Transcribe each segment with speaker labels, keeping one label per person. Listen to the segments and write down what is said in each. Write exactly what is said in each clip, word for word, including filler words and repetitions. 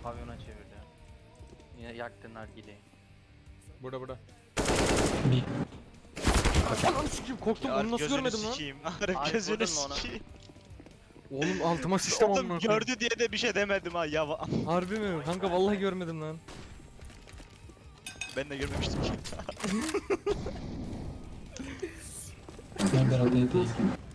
Speaker 1: Pavyona çevirdi. Yine yaktın nargileyi.
Speaker 2: Burada burada.
Speaker 3: Bir.
Speaker 2: Ananı sikeyim korktum
Speaker 4: Ya
Speaker 2: onu nasıl
Speaker 4: gözünü
Speaker 2: görmedim lan?
Speaker 4: sikeyim. Arif
Speaker 1: Ay,
Speaker 4: gözünü
Speaker 1: vurdun mu ona?
Speaker 4: sikeyim.
Speaker 2: Oğlum altıma sıçtım
Speaker 4: Oğlum
Speaker 2: amına.
Speaker 4: gördü diye de bir şey demedim ha ya.
Speaker 2: Harbi mi? Kanka vallahi görmedim lan.
Speaker 4: Ben de görmemiştim ki.
Speaker 3: Ben beraber değil.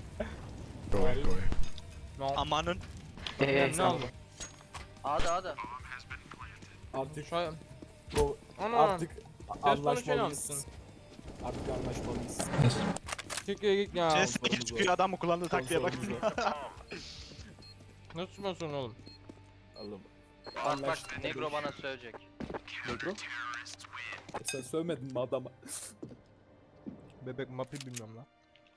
Speaker 4: Amanın.
Speaker 1: Eee
Speaker 2: Ne oldu?
Speaker 1: A'da A'da.
Speaker 5: Artık
Speaker 2: Şu an...
Speaker 5: bu
Speaker 2: Ana.
Speaker 5: artık
Speaker 2: konuşuyor
Speaker 5: anlaşmalıyız.
Speaker 2: musun?
Speaker 5: Artık anlaşmalıyız.
Speaker 2: Çekil git ya.
Speaker 4: Ses sekiz çıkıyor adam mı kullandığı taktiğe bak.
Speaker 5: Sponsorumuz var.
Speaker 2: Nasıl sponsor oğlum?
Speaker 5: Oğlum.
Speaker 1: Bak bak
Speaker 5: Anlaştık.
Speaker 1: Negro bana söyleyecek.
Speaker 5: Negro? E sen sövmedin mi adama?
Speaker 2: Bebek mapi bilmiyorum lan.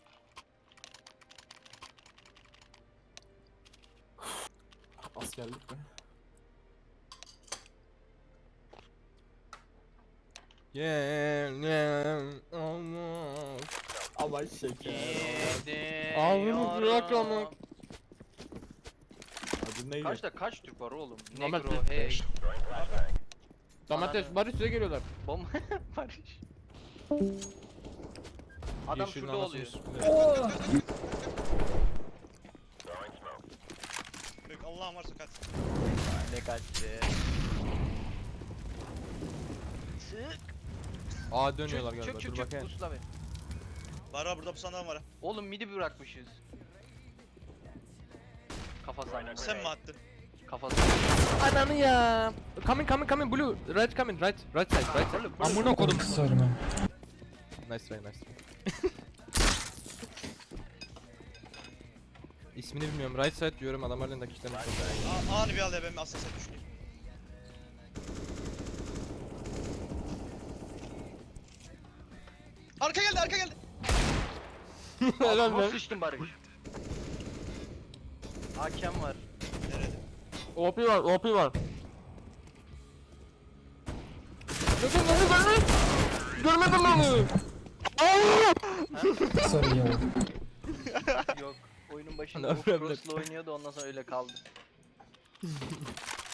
Speaker 5: Askerlik mi?
Speaker 2: Yeah yeah almost.
Speaker 5: Ama şeker.
Speaker 2: Ağzını bırak ama.
Speaker 5: Adı neydi?
Speaker 1: Kaçta kaç Türk var oğlum?
Speaker 2: Domates.
Speaker 1: Negro, hey,
Speaker 2: Domates Barış size geliyorlar.
Speaker 1: bomba, Barış. Adam
Speaker 2: Yeşilin
Speaker 1: şurada
Speaker 2: anasını
Speaker 1: oluyor.
Speaker 2: siktiler.
Speaker 4: Allah'ım varsa kaç.
Speaker 1: Ne kaçtı? Çık.
Speaker 2: Aa dönüyorlar
Speaker 1: Çık
Speaker 2: galiba.
Speaker 1: çık
Speaker 2: Dur
Speaker 1: çık
Speaker 2: bakayım.
Speaker 1: pusula be.
Speaker 4: Var var burada bu sandalye var ha.
Speaker 1: Oğlum midi bırakmışız. Kafa sanki.
Speaker 4: Sen mi attın?
Speaker 1: Kafası.
Speaker 2: Ananı ya. Coming coming coming blue. Right coming right right side right side. Amına kodum.
Speaker 3: Sorry man.
Speaker 2: Nice try nice try. İsmini bilmiyorum. Right side diyorum adamlar elinde kişilerini
Speaker 4: Aa, anı bir al ya ben aslında sen düşüneyim. Arka geldi arka geldi.
Speaker 2: Helal
Speaker 1: Altıma
Speaker 2: lan.
Speaker 1: sıçtın Barış. Hakem var.
Speaker 4: Nerede?
Speaker 2: O P var O P var. Görmedim beni görmedim. Görmedim beni.
Speaker 3: Sorry ya.
Speaker 1: Yok. Oyunun başında
Speaker 2: Ne
Speaker 1: o
Speaker 2: problem?
Speaker 1: cross'la oynuyordu ondan sonra öyle kaldı.